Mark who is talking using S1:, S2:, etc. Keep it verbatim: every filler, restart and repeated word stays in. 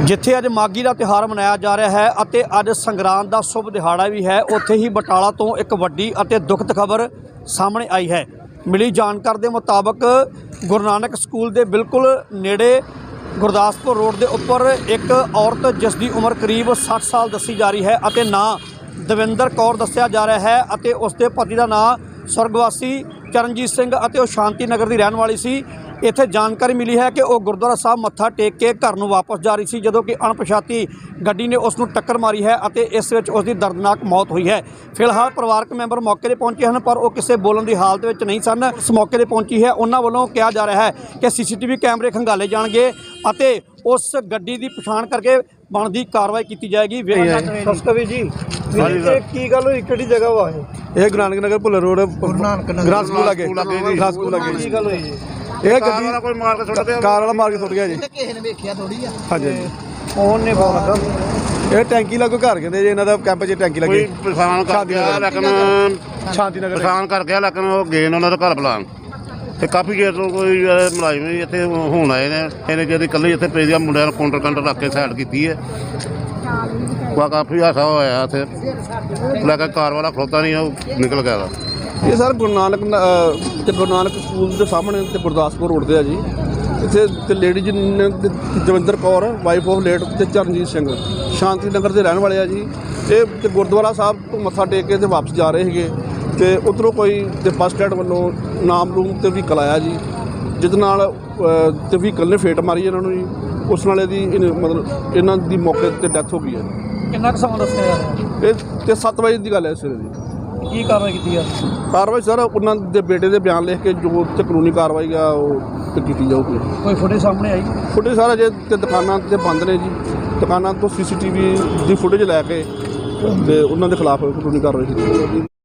S1: ਜਿੱਥੇ ਅੱਜ ਮਾਘੀ ਦਾ ਤਿਉਹਾਰ ਮਨਾਇਆ ਜਾ ਰਿਹਾ ਹੈ ਅਤੇ ਅੱਜ ਸੰਗਰਾਂਦ ਦਾ ਸ਼ੁਭ ਦਿਹਾੜਾ ਵੀ ਹੈ, ਉੱਥੇ ਹੀ ਬਟਾਲਾ ਤੋਂ ਇੱਕ ਵੱਡੀ ਅਤੇ ਦੁਖਦ ਖਬਰ ਸਾਹਮਣੇ ਆਈ ਹੈ। ਮਿਲੀ ਜਾਣਕਾਰੀ ਦੇ ਮੁਤਾਬਕ ਗੁਰੂ ਨਾਨਕ ਸਕੂਲ ਦੇ ਬਿਲਕੁਲ ਨੇੜੇ ਗੁਰਦਾਸਪੁਰ ਰੋਡ ਦੇ ਉੱਪਰ ਇੱਕ ਔਰਤ ਜਿਸ ਦੀ ਉਮਰ ਕਰੀਬ ਸੱਠ ਸਾਲ ਦੱਸੀ ਜਾ ਰਹੀ ਹੈ ਅਤੇ ਨਾਂ ਦਵਿੰਦਰ ਕੌਰ ਦੱਸਿਆ ਜਾ ਰਿਹਾ ਹੈ ਅਤੇ ਉਸ ਦੇ ਪਤੀ ਦਾ ਨਾਂ ਸਵਰਗਵਾਸੀ ਚਰਨਜੀਤ ਸਿੰਘ ਅਤੇ ਉਹ ਸ਼ਾਂਤੀ ਨਗਰ ਦੀ ਰਹਿਣ ਵਾਲੀ ਸੀ। ਇੱਥੇ ਜਾਣਕਾਰੀ ਮਿਲੀ ਹੈ ਕਿ ਉਹ ਗੁਰਦੁਆਰਾ ਸਾਹਿਬ ਮੱਥਾ ਟੇਕ ਕੇ ਘਰ ਨੂੰ ਵਾਪਸ ਜਾ ਰਹੀ ਸੀ ਜਦੋਂ ਕਿ ਅਣਪਛਾਤੀ ਗੱਡੀ ਨੇ ਉਸ ਨੂੰ ਟੱਕਰ ਮਾਰੀ ਹੈ ਅਤੇ ਇਸ ਵਿੱਚ ਉਸ ਦੀ ਦਰਦਨਾਕ ਮੌਤ ਹੋਈ ਹੈ। ਫਿਲਹਾਲ ਪਰਿਵਾਰਕ ਮੈਂਬਰ ਮੌਕੇ 'ਤੇ ਪਹੁੰਚੇ ਹਨ ਪਰ ਉਹ ਕਿਸੇ ਬੋਲਣ ਦੀ ਹਾਲਤ ਵਿੱਚ ਨਹੀਂ ਸਨ। ਇਸ ਮੌਕੇ 'ਤੇ ਪਹੁੰਚੀ ਹੈ, ਉਹਨਾਂ ਵੱਲੋਂ ਕਿਹਾ ਜਾ ਰਿਹਾ ਹੈ ਕਿ ਸੀ ਸੀ ਟੀ ਵੀ ਕੈਮਰੇ ਖੰਗਾਲੇ ਜਾਣਗੇ ਅਤੇ ਉਸ ਗੱਡੀ ਦੀ ਪਛਾਣ ਕਰਕੇ ਬਣਦੀ ਕਾਰਵਾਈ ਕੀਤੀ ਜਾਏਗੀ। ਸਸਕਵੀ ਜੀ ਕੀ ਗੱਲ ਹੋਈ, ਕਿਹੜੀ ਜਗ੍ਹਾ ਵਾ ਇਹ?
S2: ਇਹ Guru Nanak Nagar Bhullar road grass school ਲੱਗੇ ਗ੍ਰਾਸ ਸਕੂਲ ਲੱਗੇ
S1: ਕੀ ਗੱਲ ਹੋਈ ਜੀ?
S2: ਇਹ ਗੱਡੀ ਕੋਈ ਮਾਰ ਕੇ ਸੁੱਟ ਗਿਆ, ਕਾਰ ਵਾਲਾ ਮਾਰ ਕੇ ਸੁੱਟ ਗਿਆ ਜੀ।
S3: ਕਿਸੇ ਨੇ ਵੇਖਿਆ ਥੋੜੀ ਆ।
S2: ਹਾਂਜੀ
S1: ਫੋਨ ਨੇ ਫੋਨ ਲੱਗਾ।
S2: ਇਹ ਟੈਂਕੀ ਲੱਗੋ ਘਰ ਕਹਿੰਦੇ ਜੀ, ਇਹਨਾਂ ਦਾ ਕੈਂਪ 'ਚ ਟੈਂਕੀ ਲੱਗੀ।
S4: ਕੋਈ ਪਛਾਣ ਕਰ ਗਿਆ ਲੇਕਿਨ
S2: ਸ਼ਾਂਤੀ ਨਗਰ
S4: ਪਛਾਣ ਕਰ ਗਿਆ ਲੇਕਿਨ ਉਹ ਗਏ ਨੇ ਉਹਨਾਂ ਦਾ ਘਰ ਬੁਲਾਉਣ ਤੇ ਕਾਫੀ ਚਿਰ ਤੋਂ ਕੋਈ ਮੁਲਾਜ਼ਮ ਵੀ ਇੱਥੇ ਹੁਣ ਆਏ ਨੇ। ਇਹਨੇ ਜਿਹੜੀ ਇਕੱਲੇ ਇੱਥੇ ਪਏ ਦੀਆਂ ਮੁੰਡਿਆਂ ਨੂੰ ਕਾਊਂਟਰ ਕਾਊਂਟਰ ਰੱਖ ਕੇ ਸਾਈਡ ਕੀਤੀ ਹੈ। ਵਾ ਕਾਫੀ ਹਾਸਾ ਹੋਇਆ ਇੱਥੇ, ਲੇਕਿਨ ਕਾਰ ਵਾਲਾ ਖਲੋਤਾ ਨਹੀਂ, ਉਹ ਨਿਕਲ ਗਿਆ ਵਾ।
S2: ਇਹ ਸਰ ਗੁਰੂ ਨਾਨਕ ਅ, ਤੇ ਗੁਰੂ ਨਾਨਕ ਸਕੂਲ ਦੇ ਸਾਹਮਣੇ ਤੇ ਗੁਰਦਾਸਪੁਰ ਰੋਡ 'ਤੇ ਆ ਜੀ। ਇੱਥੇ ਤੇ ਲੇਡੀ ਜੀ ਨੇ Davinder Kaur wife of late ਤੇ ਚਰਨਜੀਤ ਸਿੰਘ ਸ਼ਾਂਤੀ ਨਗਰ ਦੇ ਰਹਿਣ ਵਾਲੇ ਆ ਜੀ। ਇਹ ਤੇ ਗੁਰਦੁਆਰਾ ਸਾਹਿਬ ਤੋਂ ਮੱਥਾ ਟੇਕ ਕੇ ਤੇ ਵਾਪਸ ਜਾ ਰਹੇ ਸੀਗੇ ਤੇ ਉੱਧਰੋਂ ਕੋਈ ਤੇ ਬੱਸ ਸਟੈਂਡ ਵੱਲੋਂ ਨਾਮ ਲੂਮ ਤੇ ਵਹੀਕਲ ਆਇਆ ਜੀ, ਜਿਹਦੇ ਨਾਲ ਤੇ ਵਹੀਕਲ ਨੇ ਫੇਟ ਮਾਰੀ ਇਹਨਾਂ ਨੂੰ ਜੀ। ਉਸ ਨਾਲ ਇਹਦੀ ਮਤਲਬ ਇਹਨਾਂ ਦੀ ਮੌਕੇ 'ਤੇ ਡੈਥ ਹੋ ਗਈ ਹੈ।
S1: ਕਿੰਨਾ ਕੁ ਸਮਾਂ ਦੱਸਿਆ ਯਾਰ?
S2: ਇਹ ਤੇ ਸੱਤ ਵਜੇ ਦੀ ਗੱਲ ਹੈ ਸਵੇਰੇ ਦੀ।
S1: ਕੀ ਕਾਰਵਾਈ ਕੀਤੀ ਆ?
S2: ਕਾਰਵਾਈ ਸਰ ਉਹਨਾਂ ਦੇ ਬੇਟੇ ਦੇ ਬਿਆਨ ਲਿਖ ਕੇ ਜੋ ਤੇ ਕਾਨੂੰਨੀ ਕਾਰਵਾਈ ਆ ਉਹ ਤੇ ਕੀਤੀ ਜਾਊਗੀ।
S1: ਕੋਈ ਫੁਟੇਜ ਸਾਹਮਣੇ ਆਈ?
S2: ਫੁਟੇਜ ਸਾਰਾ ਜੇ ਤੇ ਦੁਕਾਨਾਂ ਤੇ ਬੰਦ ਨੇ ਜੀ, ਦੁਕਾਨਾਂ ਤੋਂ ਸੀ ਸੀ ਟੀ ਵੀ ਦੀ ਫੁਟੇਜ ਲੈ ਕੇ ਤੇ ਉਹਨਾਂ ਦੇ ਖਿਲਾਫ ਕਾਨੂੰਨੀ ਕਾਰਵਾਈ ਕੀਤੀ ਜਾਊਗੀ।